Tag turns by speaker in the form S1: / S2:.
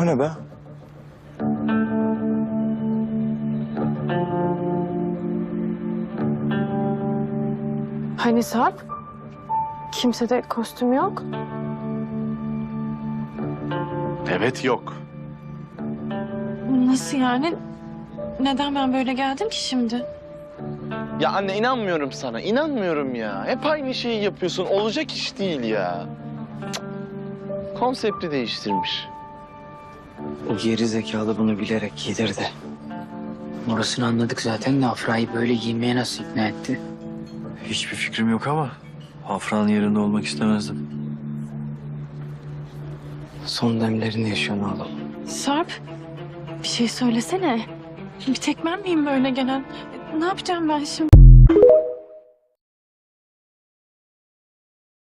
S1: O ne be?
S2: Hani Sarp? Kimsede kostüm yok.
S3: Evet, yok.
S2: Nasıl yani? Neden ben böyle geldim ki şimdi?
S3: Ya anne, inanmıyorum sana. İnanmıyorum ya. Hep aynı şeyi yapıyorsun. Olacak iş değil ya. Cık. Konsepti değiştirmiş.
S4: O geri zekalı bunu bilerek giydirdi. Orasını anladık zaten de Afra'yı böyle giymeye nasıl ikna etti?
S1: Hiçbir fikrim yok ama Afra'nın yerinde olmak istemezdim.
S4: Son demlerini yaşıyor oğlum.
S2: Sarp, bir şey söylesene. Bir tek ben miyim böyle gelen? Ne yapacağım ben şimdi?